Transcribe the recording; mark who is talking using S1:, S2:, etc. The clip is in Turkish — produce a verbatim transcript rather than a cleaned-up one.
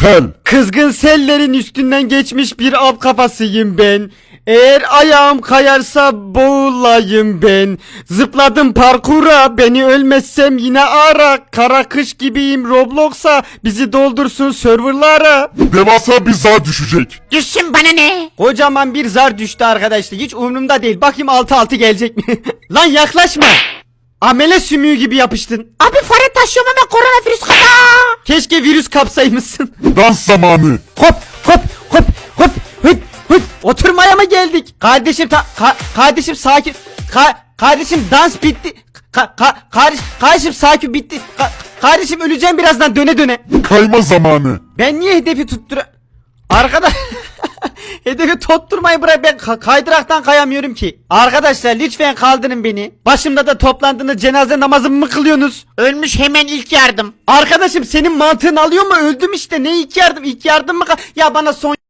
S1: sel.
S2: Kızgın sellerin üstünden geçmiş bir av kafasıyım ben. Eğer ayağım kayarsa boğulayım ben. Zıpladım parkura, beni ölmezsem yine ara. Kara kış gibiyim Roblox'a, bizi doldursun serverlara.
S1: Devasa bir zar düşecek.
S3: Düşsün bana ne?
S2: Kocaman bir zar düştü arkadaşlar, hiç umurumda değil. Bakayım altı altı gelecek mi? Lan yaklaşma. Amele sümüğü gibi yapıştın.
S3: Abi fare taşıyorum ama koronavirüs kata.
S2: Keşke virüs kapsaymışsın.
S1: Dans zamanı.
S2: Hop hop hop hop hop hop. Oturmaya mı geldik? Kardeşim ta ka- kardeşim sakin. Ka- kardeşim dans bitti. Ka- ka- kardeş kardeşim sakin bitti. Ka- kardeşim öleceğim birazdan döne döne.
S1: Kayma zamanı.
S2: Ben niye hedefi tuttura... Arkadaş... Hedefi tutturmayı bırak, ben ka- kaydıraktan kayamıyorum ki. Arkadaşlar lütfen kaldırın beni. Başımda da toplandığınız cenaze namazımı mı kılıyorsunuz?
S3: Ölmüş hemen ilk yardım.
S2: Arkadaşım senin mantığın alıyor mu? Öldüm işte, ne ilk yardım? İlk yardım mı? ka- Ya bana son